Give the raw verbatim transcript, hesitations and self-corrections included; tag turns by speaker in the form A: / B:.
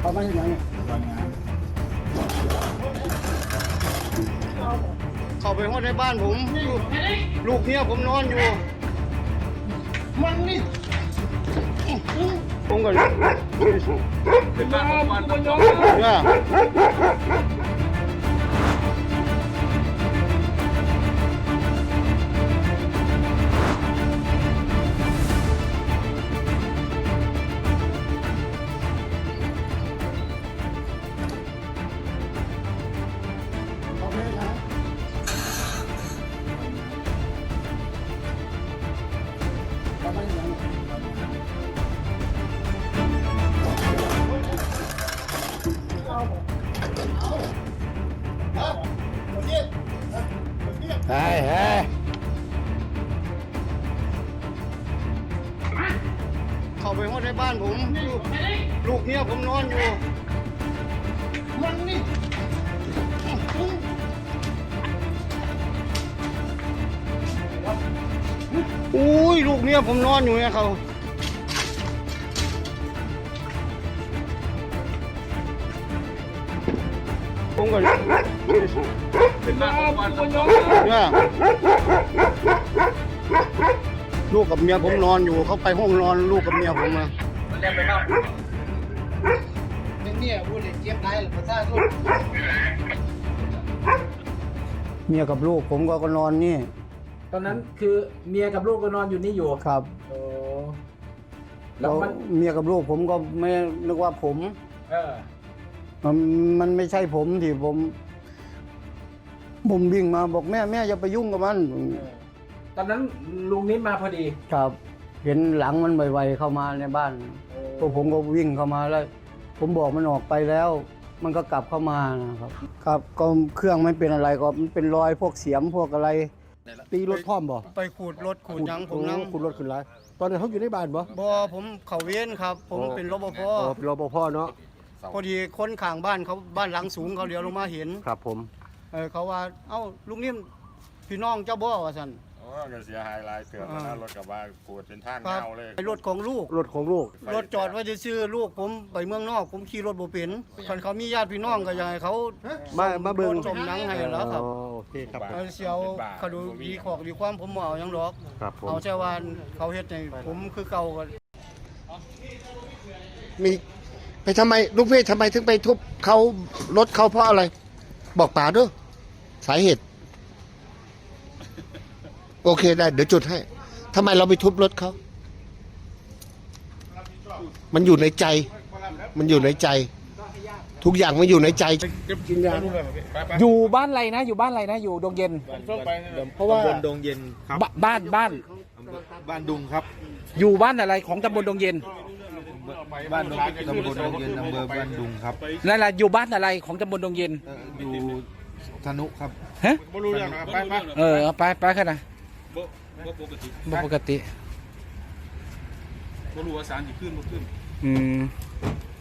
A: เขาไม่เห็นยังเข้าไปห้องในบ้านผมลูกเมียผมนอนอยู่มันนี่ผมก่อนเป็นบ้านของมันเนี่ยเฮ้ยเฮ้ยเข้าไปห้องในบ้านผมลูกเมียผมนอนอยู่มันนี่อุ้ยลูกเมียผมนอนอยู่เนี่ยเขาผมก่อนเป็นบ้านของมันเนี่ยลูกกับเมียผมนอนอยู่เขาไปห้องนอนลูกกับเมียผมมาเรียกไปบ้างเนี่ยพูดเลยเจี๊ยบได้หรือภาษาสุดเมียกับลูกผมก็นอนนี่
B: ตอนนั้นคือเมียกับลูกก็นอนอยู่นี่อยู่
A: ครับ
B: โอ้
A: แล้วมันเมียกับลูกผมก็ไม่นึกว่าผม
B: เออ
A: มันมันไม่ใช่ผมที่ผมผมวิ่งมาบอกแม่แม่อย่าไปยุ่งกับมัน
B: ตอนนั้นลุงนิดมาพอดี
A: ครับเห็นหลังมันไวๆเข้ามาในบ้านพวกผมก็วิ่งเข้ามาแล้วผมบอกมันออกไปแล้วมันก็กลับเข้ามานะครับครับก็เครื่องไม่เป็นอะไรก็มันเป็นรอยพวกเสียมพวกอะไร
C: ตีรถพร้อมบ่
A: ไปขูดรถขูดยังผมนั่ง
C: ขูดรถขึ้นไรตอนนั้นเขาอยู่ในบ้านบ่
A: บ่ผมเขาเว้นครับผมเป็นรปภ
C: อ๋อเป็นรปภเนาะ
A: พอดีคนข้างบ้านเขาบ้านหลังสูงเขาเลี้ยวลงมาเห็น
C: ครับผม
A: เออเขาว่าเอ้าลุงนิ่มพี่น้องเจ้าบ่ว่าซั่น
D: โอ้ก็เสียหายหลายเสือกนะรถกับว่าขูดเป็นทางเงาเลย
A: รถของลูก
C: รถของลูก
A: รถจอดไว้ซื่อลูกผมไปเมืองนอกผมขี่รถบ่เป็นคันเขามีญาติพี่น้องก็อยากให้เขา
C: มามาเบิ่ง
A: ชมหนังให้แล้วครับ
C: โอเคครับ
A: เสียวเขาดูดีขอกดีความผมบ่เอาหยังดอกเอาแค่ว่าเขาเฮ็ดให้ผมคือเก่าก็
C: มีไปทำไมลูกพี่ทำไมถึงไปทุบเขารถเขาเพราะอะไรบอกป๋าด้วยสาเหตุโอเคได้เดี๋ยวจุดให้ทำไมเราไปทุบรถเขามันอยู่ในใจ มันอยู่ในใจ ทุกอย่างมันอยู่ในใจกินยา
B: อยู่บ้านอะไรนะอยู่บ้านอะไรนะอยู่ดงเย็น
E: เพราะว่าตำบลดงเย็นครับ
B: บ้านบ้าน
E: บ้านดุงครับ
B: อยู่บ้านอะไรของตำบลดงเย็น
E: บ้านดงตำบลดงเย็นอำเภอบ้านดุงครับ
B: นั่นแหละอยู่บ้านอะไรของตำบลดงเย็น
E: อยู่ธนุครับ
B: ฮะ
E: ไม่รู้เรื่องไปไป
B: เออไปไปแค่ไหน
E: บ่ปกติ
B: บ่ปกติ
E: บ่รู้ว่าสารจะขึ้นบ่ขึ้น
B: อืม